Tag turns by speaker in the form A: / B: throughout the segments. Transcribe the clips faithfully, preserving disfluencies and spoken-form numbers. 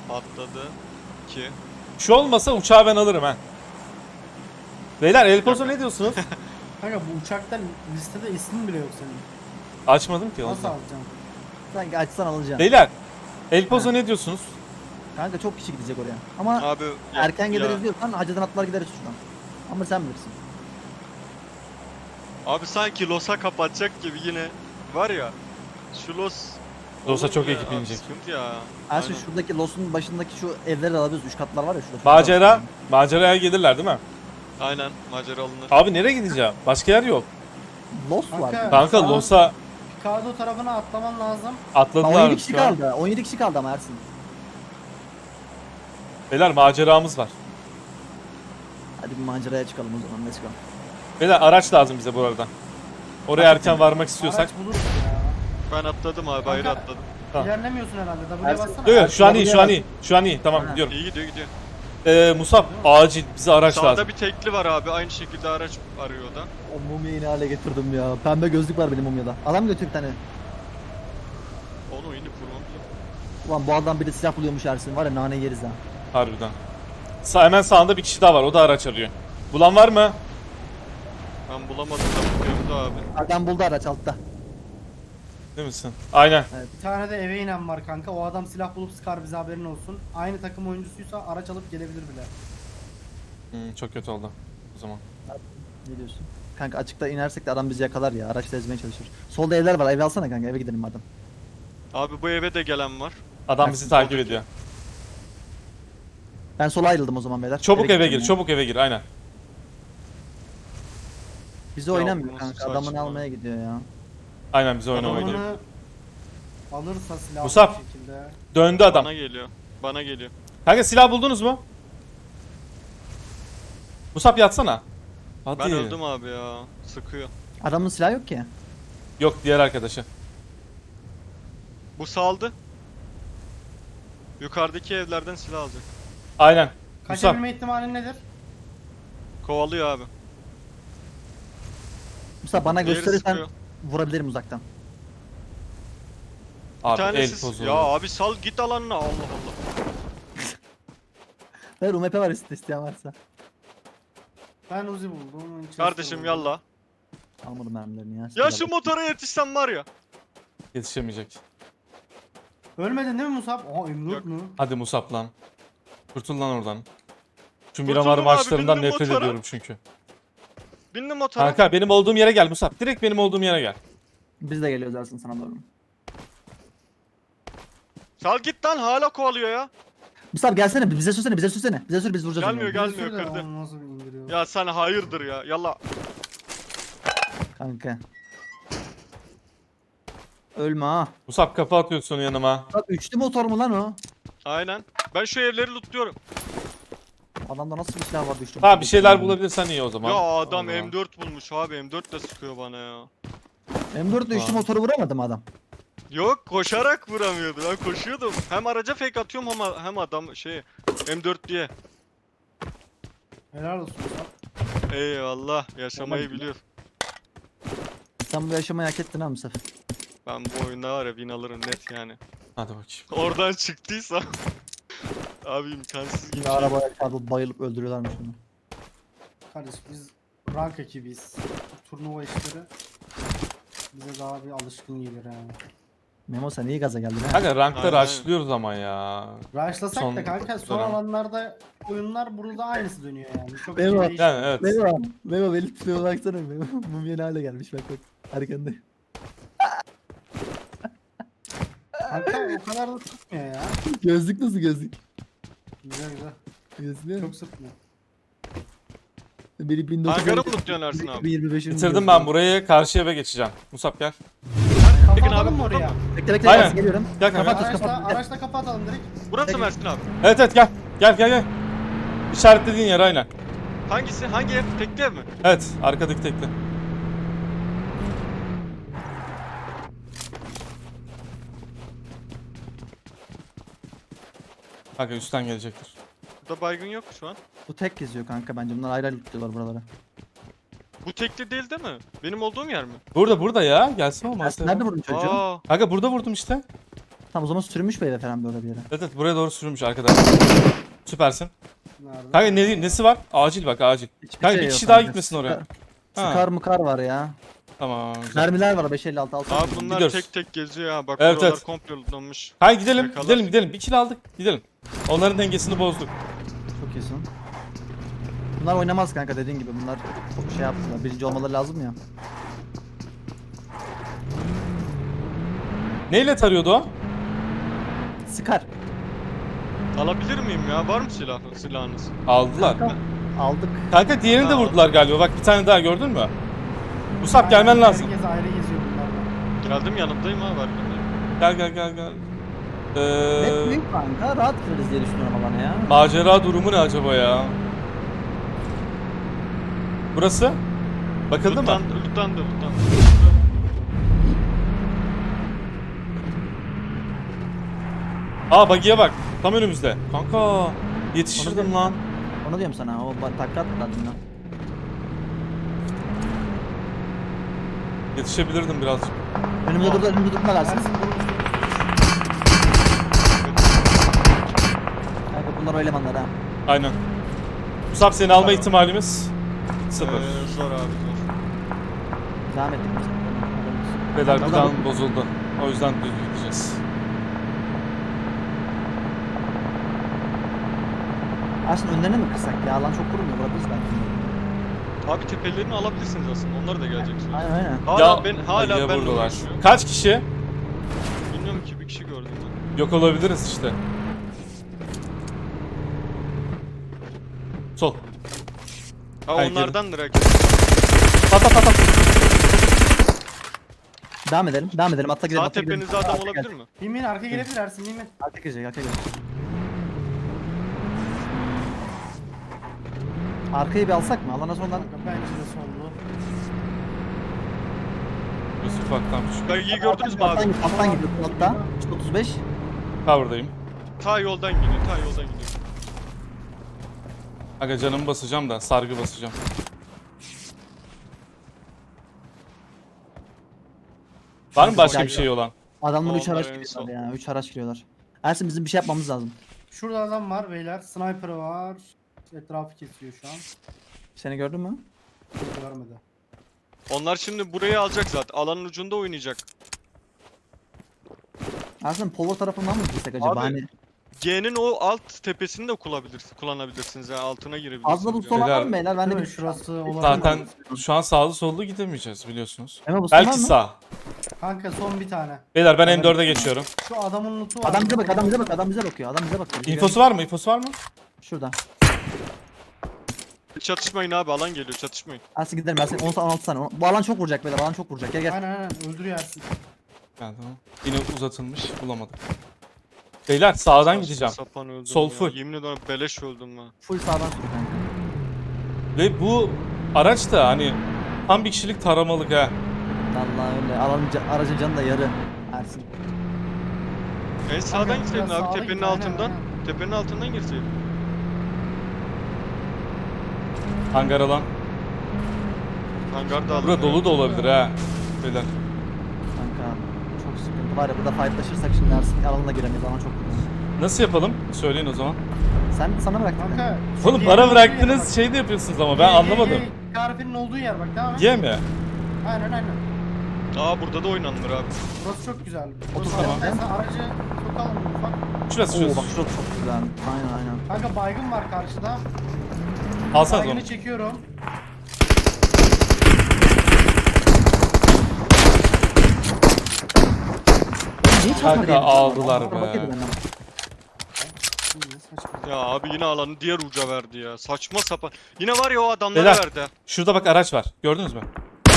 A: Atladı. iki.
B: Şu olmasa uçağı ben alırım ha. Beyler El Pozo ne diyorsunuz?
C: Kanka bu uçakta listede ismin bile yok senin.
B: Açmadım ki
C: Nasıl
B: ondan.
C: alacaksın?
D: Sanki açsan alacağım.
B: Beyler El Pozo ne diyorsunuz?
D: Kanka çok kişi gidecek oraya. Ama
A: Abi ya-
D: erken
A: ya-
D: geliriz diyorsan hacıdan atlar gideriz şuradan. Ama sen bilirsin.
A: Abi sanki Los'a kapatacak gibi yine var ya. Şu Los
B: Los'a
A: olur
B: çok
A: ya,
B: ekip
A: abi
B: inecek.
A: Sıkıntı ya.
D: Her şey
A: Aynen.
D: şuradaki Los'un başındaki şu evleri de alabiliriz. Üç katlar var ya şurada.
B: Macera, maceraya gelirler değil mi?
A: Aynen macera alınır.
B: Abi nereye gideceğim? Başka yer yok.
D: Los var.
C: Kanka,
B: Kanka
C: sağ-
B: Los'a
C: Picado tarafına atlaman lazım.
D: Aa,
B: atladılar
D: on yedi kişi
B: şu an.
D: kaldı. on yedi kişi kaldı ama Ersin.
B: Beyler maceramız var.
D: Hadi bir maceraya çıkalım o zaman. Let's go.
B: Beyler araç lazım bize bu arada. Oraya erken varmak istiyorsak.
C: Araç buluruz ya.
A: Ben atladım abi ayrı
C: Kanka-
A: atladım.
B: Tamam.
C: İlerlemiyorsun herhalde. W'ye
D: Ersin-
C: bassana.
B: Yok yok şu an iyi
D: Buraya
B: şu an
D: bak.
B: iyi. Şu an iyi tamam
D: Ha.
B: gidiyorum.
A: İyi gidiyor gidiyor.
B: Ee, Musab acil bize araç
A: Sağda
B: lazım.
A: bir tekli var abi aynı şekilde araç arıyor da.
D: O mumyayı ne hale getirdim ya. Pembe gözlük var benim mumyada. Adam götür bir tane.
A: Onu inip vurmam lazım.
D: Ulan bu adam bir de silah buluyormuş Ersin. Var ya nane yeriz ha.
B: Harbiden. Sa hemen sağında bir kişi daha var o da araç arıyor. Bulan var mı?
A: Ben bulamadım da bakıyorum da abi.
D: Adam buldu araç altta.
B: Değil misin? Aynen.
C: Bir tane de eve inen var kanka. O adam silah bulup sıkar bize haberin olsun. Aynı takım oyuncusuysa araç alıp gelebilir bile.
B: Hmm, çok kötü oldu o zaman.
D: Ne diyorsun? Kanka açıkta inersek de adam bizi yakalar ya. Araçla ezmeye çalışır. Solda evler var. Ev alsana kanka. Eve gidelim madem.
A: Abi bu eve de gelen var.
B: Adam bizi takip ediyor.
D: Ben sola ayrıldım o zaman beyler.
B: Çabuk eve
D: gideceğim
B: gir,
D: ya.
B: çabuk eve gir aynen.
D: Bizi
A: Ya
D: oynamıyor
A: bu
D: kanka.
A: nasıl
D: Adamını
A: saçma?
D: almaya gidiyor ya.
B: Aynen bize oynamaya
C: Adamını
B: geliyor.
C: alırsa silahlı
B: Musab.
C: bir şekilde.
B: Döndü adam.
A: Bana geliyor. Bana geliyor.
B: Kanka silah buldunuz mu? Musab yatsana. Hadi.
A: Ben öldüm abi ya. Sıkıyor.
D: Adamın silahı yok ki.
B: Yok diğer arkadaşı.
A: Bu saldı. Yukarıdaki evlerden silah alacak.
B: Aynen. Musab.
C: Kaçabilme ihtimalin nedir?
A: Kovalıyor abi.
D: Musa bana
A: Diğeri
D: gösterirsen
A: sıkıyor.
D: vurabilirim uzaktan.
A: Bir
B: Abi el
A: tanesi
B: pozu.
A: ya abi sal git alanına Allah Allah.
D: Ver U M P var üstte isteyen varsa.
C: Ben Uzi buldum. Winchester
A: Kardeşim
C: buldum.
A: yalla.
D: Almadım mermilerini ya.
A: Ya şu motora yetişsem var ya.
B: Yetişemeyecek.
C: Ölmedin değil mi Musab? Aha
A: Yok.
C: Emrut mu?
B: Hadi Musab lan. Kurtul lan oradan. Şu
A: Kurtuldum
B: Miramar
A: abi,
B: maçlarından
A: bindim
B: nefret
A: motora.
B: ediyorum çünkü.
A: Bindim motora.
B: Kanka benim olduğum yere gel Musab. Direkt benim olduğum yere gel.
D: Biz de geliyoruz Ersin sana doğru.
A: Sal git lan hala kovalıyor ya.
D: Musa gelsene bize sürsene bize sürsene. Bize sür biz vuracağız.
A: Gelmiyor,
D: onu.
A: gel-
C: Bir
A: Gelmiyor,
C: sürü de
A: kırdı.
C: onu nasıl bir indiriyor?
A: Ya sen hayırdır ya. Yalla.
D: Kanka. Ölme ha.
B: Musab kafa atıyorsun yanıma.
D: Bak üçlü motor mu lan o?
A: Aynen. Ben şu evleri lootluyorum.
D: Adamda nasıl bir silah vardı üçlü
B: Ha
D: motor?
B: bir şeyler bulabilirsen iyi o zaman.
A: Ya adam
B: O zaman.
A: M dört bulmuş abi. M dört de sıkıyor bana ya.
D: M dört ile üçlü
B: Aa.
D: motoru vuramadı mı adam?
A: Yok koşarak vuramıyordu. Ben koşuyordum. Hem araca fake atıyorum ama hem adam şey M dört diye.
C: Helal olsun Musab.
A: Eyvallah. Yaşamayı
D: Olmadı.
A: biliyor.
D: Sen bu yaşamayı hak ettin ha Musa.
A: Ben bu oyunda var ya win alırım net yani.
B: Hadi bakayım.
A: Oradan çıktıysa abi imkansız gibi.
D: Yine
A: şey.
D: arabaya çarpıp bayılıp öldürüyorlarmış bunu.
C: Kardeş biz rank ekibiyiz. Turnuva işleri bize daha bir alışkın gelir yani.
D: Memo sen iyi gaza geldin ha.
B: Kanka rankta
A: Aynen.
B: rushlıyoruz ama ya.
C: Rushlasak
B: Son
C: da kanka son
B: dönem.
C: alanlarda oyunlar burada aynısı dönüyor yani. Çok bir
D: Eyvah.
C: şey değişmiyor.
B: Yani evet.
D: Memo, Memo beni tutmaya baksana Memo. Mumya ne hale gelmiş bak bak. Arkanda.
C: Kanka o kadar da tutmuyor ya.
D: Gözlük nasıl gözlük?
C: Güzel güzel.
D: Gözlük
C: Çok sıkmıyor.
D: Biri bin dokuz yüz
A: Hangarı mı tutuyorsun Ersin abi?
D: yirmi beşin
B: Bitirdim ben burayı. Karşı eve geçeceğim. Musab gel.
A: Tekin
C: Kafa
A: abi
C: atalım mı
A: burada
C: oraya?
A: mı?
D: Bekle bekle
B: Aynen.
D: Aynen. Geliyorum.
B: Gel kanka.
D: Kapat
C: Araçla,
D: kapat.
C: araçla kafa atalım direkt.
A: Burası mı
D: Tekin.
A: Ersin abi?
B: Evet evet gel. Gel gel gel. İşaretlediğin yer aynen.
A: Hangisi? Hangi ev? Tekli ev mi?
B: Evet arkadaki tekli. Kanka üstten gelecektir.
A: Burada baygın yok şu an.
D: Bu tek geziyor kanka bence. Bunlar ayrı ayrı tutuyorlar buraları.
A: Bu tekli değil değil mi? Benim olduğum yer mi?
B: Burada burada ya. Gelsin olmaz.
D: Ersin nerede vurdun çocuğu?
A: Aa,
B: Kanka burada vurdum işte.
D: Tamam o zaman sürünmüş bu eve falan böyle bir yere.
B: Evet evet buraya doğru sürülmüş arkadaş. Süpersin.
C: Nerede?
B: Kanka ne, nesi var? Acil bak acil.
D: Hiçbir
B: Kanka
D: şey
B: bir
D: yok
B: kişi daha
D: kanka.
B: gitmesin oraya.
D: Sıkar,
B: Ha.
D: sıkar mıkar var ya.
B: Tamam güzel.
D: Mermiler var beş elli altı altı.
A: Abi bunlar
B: Gidiyoruz.
A: tek tek geziyor ha. Bak
B: Evet,
A: buralar
B: evet.
A: komple lootlanmış.
B: Hayır gidelim
A: Yakalar.
B: gidelim gidelim. Bir kill aldık gidelim. Onların dengesini bozduk.
D: Çok iyisin. Bunlar oynamaz kanka dediğin gibi bunlar çok şey yaptılar. Birinci olmaları lazım ya.
B: Neyle tarıyordu o?
D: Sıkar.
A: Alabilir miyim ya? Var mı silah, silahınız?
B: Aldılar.
D: Kanka, aldık.
B: Kanka diğerini de
A: Ha,
B: vurdular galiba. Bak bir tane daha gördün mü? Musab gelmen
C: Aynen,
B: lazım.
C: Herkes ayrı geziyor bunlardan.
A: Geldim yanımdayım abi arkandayım.
B: Gel gel gel gel.
D: Net
B: Ee,
D: büyük kanka rahat gireriz diye düşünüyorum alana ya.
B: macera durumu ne acaba ya? Burası? Bakıldı mı?
A: Loot'tan, loot'tan da loot'tan.
B: Aa bagiye bak. Tam önümüzde. Kanka yetişirdim
D: Onu-
B: lan.
D: Onu diyorum sana o ba- takla attılar lan.
B: Yetişebilirdim birazcık.
D: Önümüzde durdu önümüzde durmalarsa.
C: Ersin bunu
D: Kanka bunlar o elemanlar ha.
B: Aynen. Musab seni alma ihtimalimiz sıfır.
A: Ee, zor abi zor.
D: Devam ettik biz.
B: Pedal
D: Buradan-
B: buradan bozuldu. O yüzden düz gideceğiz.
D: Ersin önlerine mi kırsak ya? Alan çok kurumuyor vurabiliriz belki.
A: Abi tepelerini alabilirsiniz aslında. Onlar da gelecek sonra.
D: Aynen aynen.
A: Hala ben hala
B: bagiye
A: ben
B: vurdular.
A: uğraşıyor.
B: Kaç kişi?
A: Bilmiyorum ki bir kişi gördüm ben.
B: Yok olabiliriz işte. Sol.
A: Ha
B: Hayır,
A: onlardandır herkes.
B: Pat pat pat pat.
D: Devam edelim. Devam edelim. Atla gidelim.
A: Sağ
D: atla gidelim.
A: tepenizde adam
D: Arka
A: olabilir
D: gel.
A: mi?
C: Bin bin arka gelebilir Ersin bin bin.
D: Arka girecek. Arka girecek. Arkayı bir alsak mı? Alana sonradan
C: Kanka bence de sollu.
B: Yusuf ufaktan küçük.
A: Bagiyi gördünüz mü
D: alttan,
A: abi?
D: git, alttan gidiyor. Altta. İşte otuz beş.
B: Cover'dayım.
A: Ta yoldan gidiyor, ta yoldan gidiyor.
B: Aga canımı basacağım da sargı basacağım. Var mı başka bir şey olan?
D: Adamlar üç
A: Onlar
D: araç
A: en
D: giriyorlar
A: son.
D: ya. üç araç giriyorlar. Ersin bizim bir şey yapmamız lazım.
C: Şurada adam var beyler. Sniper var. Etrafı kesiyor şu an.
D: Seni gördün mü?
C: Hiç görmedi.
A: Onlar şimdi burayı alacak zaten. Alanın ucunda oynayacak.
D: Ersin polo tarafından mı girsek acaba?
A: Abi,
D: Hani
A: G'nin o alt tepesini de kullanabilirsiniz. Kullanabilirsiniz yani altına girebilirsiniz.
D: fazla bu
A: yani.
D: son var mı
B: Beyler,
D: beyler? Ben de
C: Değil mi?
D: bir
C: Şurası olabilir.
B: Zaten şu an sağlı sollu gidemeyeceğiz biliyorsunuz.
D: Emre bu son var
B: Belki
D: mı?
B: sağ.
C: Kanka son bir tane.
B: Beyler ben M dörde geçiyorum.
C: Şu adamın lootu var.
D: Adam bize bak, adam bize bak, adam bize bakıyor. Adam bize bakıyor.
B: İnfosu var mı? İnfosu var mı?
D: Şurada.
A: Çatışmayın abi alan geliyor çatışmayın.
D: Ersin gidelim Ersin. on on altı saniye. Bu alan çok vuracak beyler. Alan çok vuracak. Gel gel.
C: Aynen aynen öldürüyor Ersin.
B: Yani tamam. Yine uzatılmış bulamadık. Beyler sağdan
A: Saçma
B: gideceğim.
A: Sapan öldüm
B: Sol
A: ya.
B: full.
A: Yemin ederim beleş öldüm ben.
D: Full sağdan sür kanka.
B: Ve bu araç da hani tam bir kişilik taramalık ha.
D: Vallahi öyle. Alanın, ca- aracın canı da yarı. Ersin.
A: En sağdan
C: Kanka,
A: gitseydin
C: biraz
A: abi
C: sağda
A: tepenin
C: git, aynen,
A: altından.
C: aynen.
A: Tepenin altından girseydin.
B: Hangar alan.
A: Hangar da alın.
B: Bura dolu da olabilir ha. Beyler.
D: Kanka çok sıkıntı var ya burada fightlaşırsak şimdi Ersin alanına giremeyiz alan çok vuracak.
B: Nasıl yapalım? Söyleyin o zaman.
D: Sen sana bıraktım.
C: Kanka. şu
B: Oğlum
C: G'nin
B: para
C: olduğu yere
B: bıraktınız
C: bak.
B: şey de yapıyorsunuz ama ben
C: G, G,
B: anlamadım.
C: G, Tarifinin olduğu yer bak devam et.
B: Ye mi?
C: Aynen aynen.
A: Aa burada da oynanır abi.
C: Burası çok güzel.
D: Otuz
C: Burası
B: tamam.
C: mesela aracı sokalım ufak.
B: Şurası
D: Oo
B: şurası.
D: bak şurası çok güzel. Aynen aynen.
C: Kanka baygın var karşıda.
B: Alsanız onu.
C: Baygını çekiyorum.
D: Niye çarpma
B: Kanka
D: diyelim?
B: aldılar
D: Araba
B: be.
D: bakıyordu benden.
C: Ne saçma.
A: Ya abi yine alanı diğer uca verdi ya. Saçma sapan. Yine var ya o adamlara
B: Beyler.
A: verdi. ha.
B: Şurada bak araç var. Gördünüz mü?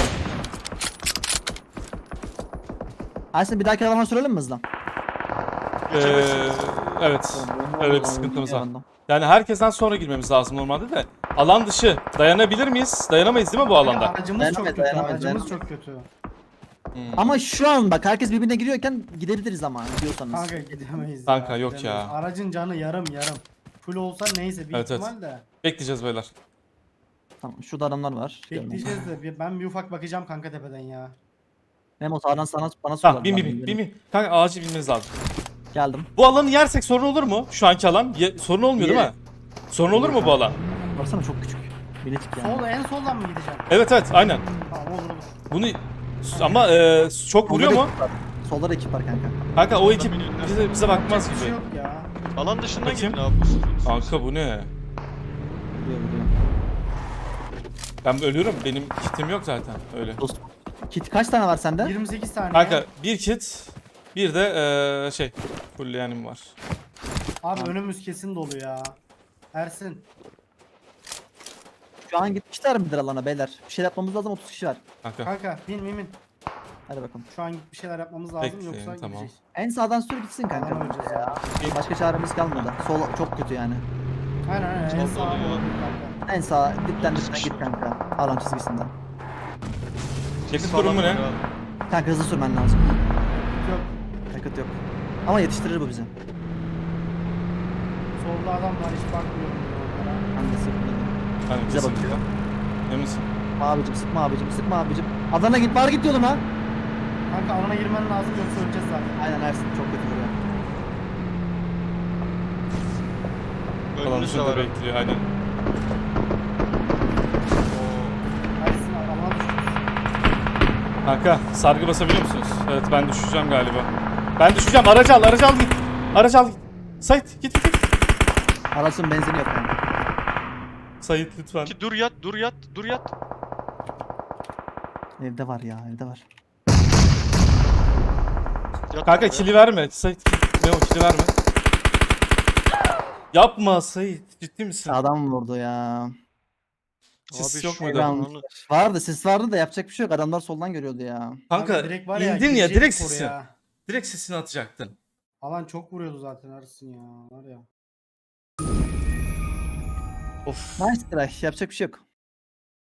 D: Ersin bir dahaki alana sürelim mi hızla?
B: Ee, evet. Öyle bir sıkıntımız var. Yani herkesten sonra girmemiz lazım normalde de. Alan dışı. Dayanabilir miyiz? Dayanamayız değil mi bu
C: Kanka,
B: alanda?
C: aracımız
D: Dayanamayız,
C: çok kötü.
D: dayanamayız,
C: Aracımız
D: dayanamayız.
C: çok kötü.
B: Hmm.
D: Ama şu an bak herkes birbirine giriyorken gidebiliriz ama diyorsanız.
C: Kanka gidemeyiz.
B: Kanka,
C: ya,
B: yok
C: gidemeyiz.
B: ya.
C: Aracın canı yarım yarım. Full olsa neyse bir
B: Evet, evet.
C: ihtimal de.
B: Bekleyeceğiz beyler.
D: Tamam şurada adamlar var.
C: Bekleyeceğiz de bir- ben bir ufak bakacağım kanka tepeden ya.
D: Memo sağdan sana bana
B: Tamam
D: sorular.
B: bin bin bin bin bin. Kanka acil binmeniz lazım.
D: Geldim.
B: Bu alanı yersek sorun olur mu? Şu anki alan. Ye- sorun olmuyor değil mi?
D: Yeriz.
B: Sorun olur mu bu alan?
D: Baksana çok küçük. Bilecik yani.
C: Sol en soldan mı gideceğim?
B: Evet evet aynen.
C: Tamam olur olur.
B: Bunu ama e, çok vuruyor
D: Solda
B: mu?
D: da ekip var. Solda da ekip var kanka.
B: Kanka o ekip
A: Bilmiyorum.
B: bize, bize bakmaz
C: Yapacak bir şey
B: gibi.
C: yok ya.
A: Alan dışından
B: Bakayım.
A: gidin abi.
B: Kanka bu ne?
D: Vuruyor vuruyor.
B: Ben ölüyorum. Benim kitim yok zaten öyle.
D: Dost. Kit kaç tane var sende?
C: yirmi sekiz saniye.
B: Kanka bir kit, bir de e, şey fullleyenim var.
C: Abi önümüz kesin dolu ya. Ersin.
D: Şu an gitmişler midir alana beyler? Bir şey yapmamız lazım, otuz kişi var.
B: Kanka.
C: Kanka bin bin bin.
D: Hadi bakalım.
C: Şu an bir şeyler yapmamız lazım
B: Bekleyin,
C: yoksa
B: tamam.
C: gideceğiz.
D: En sağdan sür gitsin kanka.
C: Alan öleceğiz ya.
D: Başka çaremiz kalmadı. Sol çok kötü yani.
C: Aynen aynen en
A: Sol
C: sağ
A: dolu ya.
C: olabilir kanka.
D: En sağ dipten dipten git kanka. Alan çizgisinden.
B: Yakıt durumu ne?
D: Kanka hızlı sürmen lazım.
C: Yok.
D: Yakıt yok. Ama yetiştirir bu bizi.
C: Solda adam var hiç bakmıyorum bile onlara.
D: Ben de sıkmadım.
B: Hani
D: Bize
B: kesin.
D: bakıyor.
B: Emin misin?
D: Sıkma abicim, sıkma abicim, sıkma abicim. Adana git, bari git yoluna.
C: Kanka alana girmen lazım yoksa öleceğiz zaten.
D: Aynen Ersin çok kötü vuruyor.
B: Alan
A: Önünüzde
B: dışında
A: var.
B: bekliyor aynen.
C: Ersin alana düşeceğiz.
B: Kanka sargı basabiliyor musunuz? Evet ben düşeceğim galiba. Ben düşeceğim. Aracı al, aracı al git. Aracı al git. Sait git git git.
D: Aracın benzini yok kanka.
B: Sait lütfen.
A: Ki dur yat, dur yat, dur yat.
D: Evde var ya, evde var.
A: Yat
B: Kanka
A: oraya.
B: kili verme. Sait ne o kili verme. Yapma Sait. Ciddi misin?
D: Adam vurdu ya.
B: Sis
A: Abi
B: yok
A: şu
B: muydu?
A: an-
D: Adam- Vardı, sis vardı da yapacak bir şey yok. Adamlar soldan görüyordu ya.
B: Kanka
C: Abi direkt var ya,
B: indin ya
C: girecektik
B: direkt sisi.
C: oraya.
B: Direkt sisini atacaktın.
C: Alan çok vuruyordu zaten Ersin ya. Var ya.
B: Of.
D: Nice try, yapacak bir şey yok.